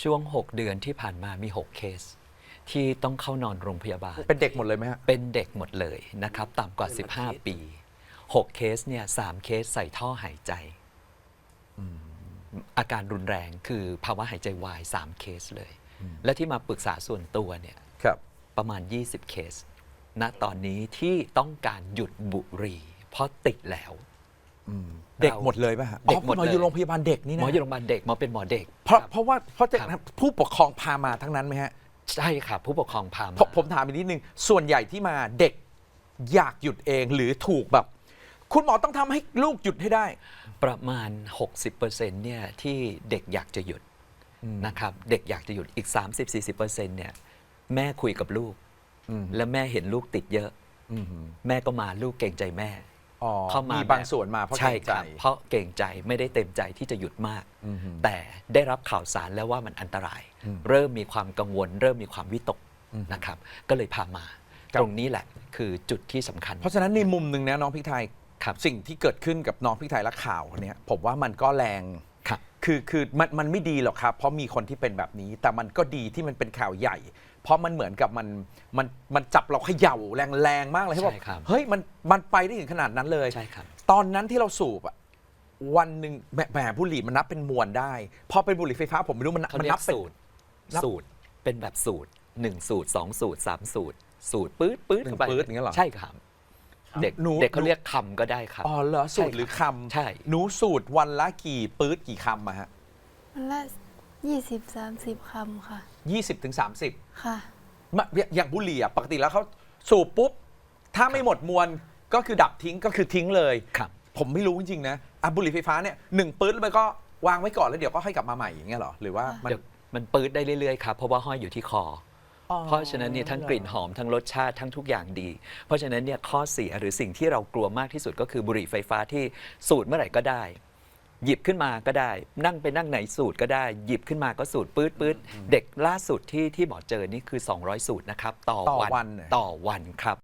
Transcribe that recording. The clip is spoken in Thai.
ช่วง 6 เดือนที่ผ่านมามี 6 เคส ที่ต้องเข้านอนโรงพยาบาลเป็นเด็กหมดเลยไหมฮะเป็นเด็กหมดเลยนะครับต่ำกว่า 15 ปี 6 เคสเนี่ย3เคสใส่ท่อหายใจ อาการรุนแรงคือภาวะหายใจวาย 3 เคสเลย และที่มาปรึกษาส่วนตัวเนี่ยครับประมาณ 20 เคส ณ ตอนนี้ที่ต้องการหยุดบุหรี่เพราะติดแล้วเด็กหมดเลยป่ะฮะเด็กหมดหมอเลยอยู่โรงพยาบาลเด็กนี่หมนะออยู่โรงพยาบาลเด็กหมอเป็นหมอเด็กเพราะครับเพราะว่าเพราะจะครับผู้ปกครองพามาทั้งนั้นไหมฮะใช่ครับผู้ปกครองพามาผมถามอีกนิดนึงส่วนใหญ่ที่มาเด็กอยากหยุดเองหรือถูกแบบ คุณหมอต้องทำให้ลูกหยุดให้ได้ประมาณ 60%เนี่ยที่เด็กอยากจะหยุดนะครับเด็กอยากจะหยุดอีก 30-40%เนี่ยแม่คุยกับลูก และแม่เห็นลูกติดเยอะ แม่ก็มาลูกเกรงใจแม่อ๋อเข้ามามีบางส่วนมาเพราะใช่เกรงคใจรับเพราะเกรงใจไม่ได้เต็มใจที่จะหยุดมาก แต่ได้รับข่าวสารแล้วว่ามันอันตราย เริ่มมีความกังวล เริ่มมีความวิตกนะครับก็เลยพามาครับตรงนี้แหละคือจุดที่สำคัญเพราะฉะนั้นในมุมหนึ่งนะน้องพริกไทยครับสิ่งที่เกิดขึ้นกับน้องพริกไทยและข่าวเนี้ยผมว่ามันก็แรงครับคือมันไม่ดีหรอกครับ เพราะมีคนที่เป็นแบบนี้ แต่มันก็ดีที่มันเป็นข่าวใหญ่ เพราะมันเหมือนกับมันจับเราเขย่าแรงๆมากเลยที่บอกใช่ครับเฮ้ยมันไปได้ถึงขนาดนั้นเลยใช่ครับตอนนั้นที่เราสูบอะวันหนึ่งแหมบุหรี่มันนับเป็นมวลได้ พอเป็นบุหรี่ไฟฟ้าผมไม่รู้มันเขามันเรียนับกเป็นสูตรนับสูตรเป็นแบบสูตร1สูตร2สูตร3สูตร สูตรปื๊ดปื๊ดหนึ่งเข้าไปปื๊ดอย่างเงี้ยเหรอใช่ครับ เด็กหนูเด็กเขาเรียกคำก็ได้ครับอ๋อเหรอสูตรหรือคใช่ำหนูสูตรวันละกี่ปื๊ดกี่คำอะฮะวันละ20-30 คำค่ะ 20 ถึง 30 ค่ะอย่างบุหรี่อะปกติแล้วเขาสูบปุ๊บ ถ้าไม่หมดมวลก็คือดับทิ้งก็คือทิ้งเลยครับผมไม่รู้จริงๆนะอ่ะบุหรี่ไฟฟ้าเนี่ยหนึ่งปื๊ดแล้วมันก็วางไว้ก่อนแล้วเดี๋ยวก็ค่อยกลับมาใหม่อย่างเงี้ยเหรอหรือว่ามันเดี๋ยวมันปื๊ดได้เรื่อยๆครับเพราะว่าห้อยอยู่ที่คออ๋อเพราะฉะนั้นเนี่ยทั้งกลิ่นหอมทั้งรสชาติทั้งทุกอย่างดี เพราะฉะนั้นเนี่ยข้อเสียหรือสิ่งที่เรากลัวมากที่สุดก็คือบุหรี่ไฟฟ้าที่สูดเมื่อไหร่ก็ได้ หยิบขึ้นมาก็ได้ นั่งไปนั่งไหนสูตรก็ได้ หยิบขึ้นมาก็สูตรปื๊ดปื๊ดเด็กล่าสุดที่หมอเจอนี่คือ200 สูตรนะครับต่อต่อวันวันเหรอต่อวันครับ